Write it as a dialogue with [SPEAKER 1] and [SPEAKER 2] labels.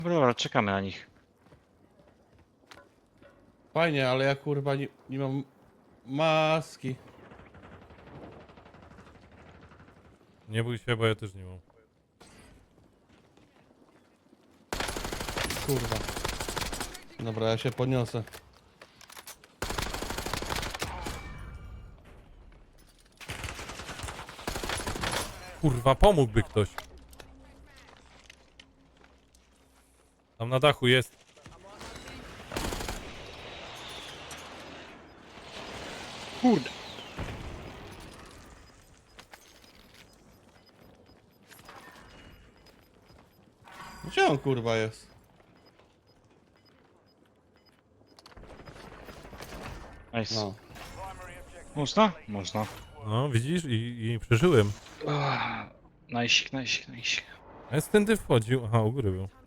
[SPEAKER 1] Dobra, czekamy na nich.
[SPEAKER 2] Fajnie, ale ja kurwa nie mam maski.
[SPEAKER 3] Nie bój się, bo ja też nie mam.
[SPEAKER 2] Kurwa. Dobra, ja się podniosę.
[SPEAKER 3] Kurwa, pomógłby ktoś. Tam na dachu jest.
[SPEAKER 1] Kurde.
[SPEAKER 2] Gdzie on kurwa jest?
[SPEAKER 1] Nice.
[SPEAKER 2] No.
[SPEAKER 1] Można? Można.
[SPEAKER 3] No, widzisz? I przeżyłem.
[SPEAKER 1] Najsik, najsik, najsik.
[SPEAKER 3] A jest tędy wchodził. Aha, u góry był.